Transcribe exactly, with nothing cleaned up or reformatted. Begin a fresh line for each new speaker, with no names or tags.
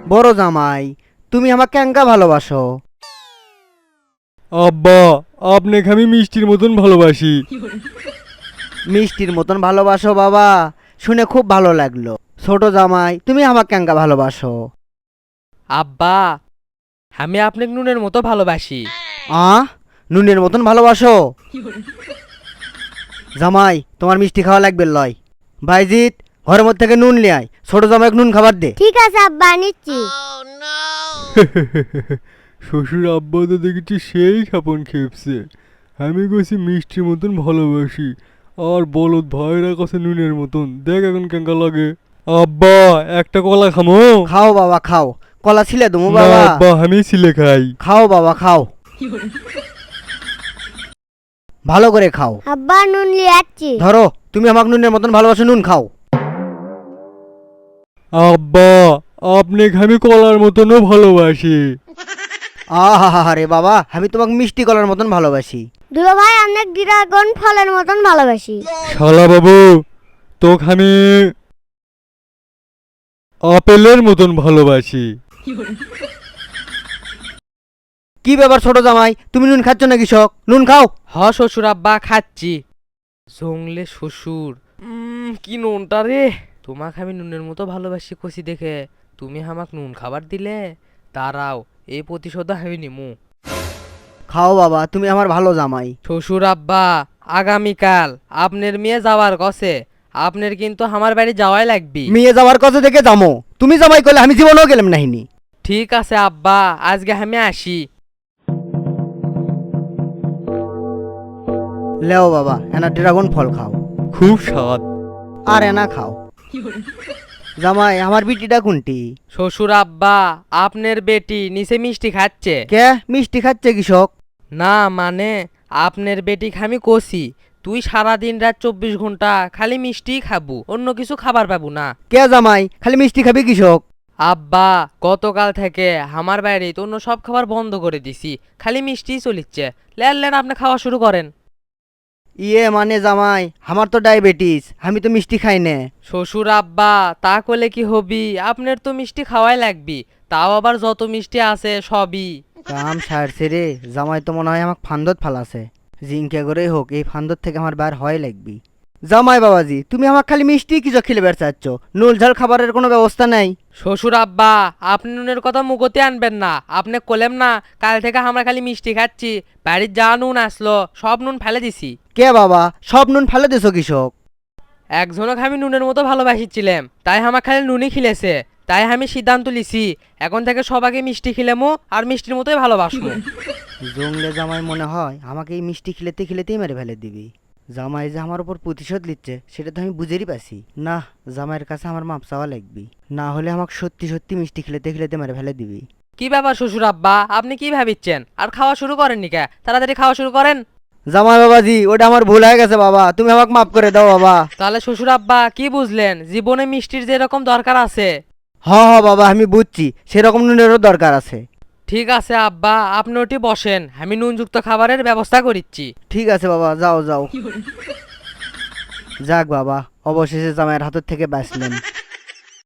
বড় জামাই, তুমি আমাকে কেঙ্কা ভালোবাসো?
আব্বা, আপনাকে আমি মিষ্টির মতন ভালোবাসি।
মিষ্টির মতন ভালোবাসো বাবা, শুনে খুব ভালো লাগলো। ছোট জামাই, তুমি আমাকে কেঙ্কা ভালোবাসো?
আব্বা, আমি আপনাকে নুনের মতো ভালোবাসি।
আ নুনের মতন ভালোবাসো? জামাই, তোমার মিষ্টি খাওয়া লাগবে লয়। ভাইজিৎ, ঘরের মধ্যে থেকে নুন লিয়ে আয়, ছোট জামাইকে নুন খাবার দে।
ঠিক আছে আব্বা, নিচ্ছি।
শ্বশুর আব্বা তো দেখেছি সেই খাপন খেপছে। আমি কইছি মিষ্টির মতন ভালোবাসি, আর বলদ ভাইরা কাছে নুনের মতন। দেখ এখন কেঙ্কা লাগে। আব্বা, একটা কলা খামো?
খাও বাবা খাও, কলা ছিলে তুমি
না
বাবা?
আব্বা, আমি ছিলে খাই।
খাও বাবা খাও, ভালো করে খাও।
আব্বা, নুন লিয়ে যাচ্ছি।
ধরো, তুমি আমাকে নুনের মতন ভালোবাসো, নুন খাও।
আব্বা, আপনাকে আমি কলার মতনও ভালোবাসি।
আহা রে বাবা, আমি তোমাকে মিষ্টি কলার মতন ভালোবাসি।
দুলো ভাই, অনেক ড্রাগন ফলের মতন ভালোবাসি।
শালা বাবু, তোকে আমি আপেলের মতন ভালোবাসি।
কি ব্যাপার ছোট জামাই, তুমি নুন খাচ্ছ না কৃষক? নুন খাও।
হ শ্বশুর আব্বা, খাচ্ছি। জংলে শ্বশুর, উম, কি নুনটা রে। তোমাকে আমি নুনের মতো ভালোবাসি কষি দেখে তুমি আমাক নুন খাবার দিলে। দাঁড়াও, এই প্রতিশোধ আমি নিমু।
খাও বাবা, তুমি আমার ভালো জামাই।
শ্বশুর আব্বা, আগামীকাল আপনার মেয়ে যাওয়ার কছে আপনার কিন্তু আমার বাড়ি যাওয়াই লাগবি।
মেয়ে যাওয়ার কথা দেখে যামো, তুমি জামাই করলে আমি জীবনেও গেলাম নাহিনি।
ঠিক আছে আব্বা, আজকে আমি আসি।
লেও বাবা, এনা ড্রাগন ফল খাও।
খুব স্বাদ।
আর এনা খাও। জামাই, আমার বিটিটা কোনটি?
শ্বশুর আব্বা, আপনার বেটি নিচে মিষ্টি খাচ্ছে।
কে মিষ্টি খাচ্ছে কৃষক?
না মানে, আপনার বেটি আমি কষি তুই সারা দিন রাত চব্বিশ ঘন্টা খালি মিষ্টিই খাবো, অন্য কিছু খাবার পাবো না।
কে জামাই, খালি মিষ্টি খাবি কৃষক?
আব্বা, গতকাল থেকে আমার বাইরে তো অন্য সব খাবার বন্ধ করে দিছি, খালি মিষ্টিই চলিচ্ছে। লেন লেন, আপনি খাওয়া শুরু করেন।
ইয়ে মানে জামাই, আমার তো ডায়াবেটিস, আমি তো মিষ্টি খাই না।
শ্বশুর আব্বা, তা করলে কি হবি, আপনার তো মিষ্টি খাওয়াই লাগবি, তাও আবার যত মিষ্টি আছে সবই।
কাম সারছে রে, জামাই তো মনে হয় আমাকে ফান্দত ফালাছে। জিঙ্কে করেই হোক, এই ফান্দত থেকে আমার বার হয় লাগবি। জামাই বাবাজি, তুমি আমাকে খালি মিষ্টি কিছু খেলে বের চাচ্ছ, নুল ঝাল খাবারের কোনো ব্যবস্থা নাই?
শ্বশুর আব্বা, আপনি নুনের কথা মুখতে আনবেন না। আপনি কলেম না কাল থেকে আমরা খালি মিষ্টি খাচ্ছি, বাড়ির যা নুন আসলো সব নুন ফেলে দিছি।
কে বাবা, সব নুন ফেলে দিছো কৃষক?
একজনক আমি নুনের মতো ভালোবাসিছিলাম, তাই আমার খালি নুনই খিলেছে। তাই আমি সিদ্ধান্ত লিছি এখন থেকে সবাইকে মিষ্টি খিলেমো আর মিষ্টির মতোই ভালোবাসবো।
জংলে জামাই মনে হয় আমাকে এই মিষ্টি খিলেতে খিলেতেই মেরে ফেলে দিবি। জামাই যে আমার উপর প্রতিশোধ নিচ্ছে সেটা তো আমি বুঝেরই পাচ্ছি না। জামাইয়ের কাছে আমার মাপ চাওয়া লাগবি, না হলে আমাকে সত্যি সত্যি মিষ্টি খিলেতে খিলেতে মেরে ফেলে দিবি।
কি ব্যাপার শ্বশুর আব্বা, আপনি কি ভাবিচ্ছেন? আর খাওয়া শুরু করেননি কে? তাড়াতাড়ি খাওয়া শুরু করেন।
জামাই বাবাজি, ওটা আমার ভুল হয়ে গেছে বাবা, তুমি আমাকে মাফ করে দাও বাবা।
তাহলে শ্বশুর আব্বা কি বুঝলেন, জীবনে মিষ্টির যেরকম দরকার আছে।
হ হ বাবা, আমি বুঝছি, সেরকম নুনেরও দরকার আছে।
ঠিক আছে আব্বা, আপনি ওটি বসেন, আমি নুনযুক্ত খাবারের ব্যবস্থা করিচ্ছি।
ঠিক আছে বাবা, যাও যাও। যাক বাবা, অবশেষে জামাইয়ের হাতের থেকে বাঁচলেন।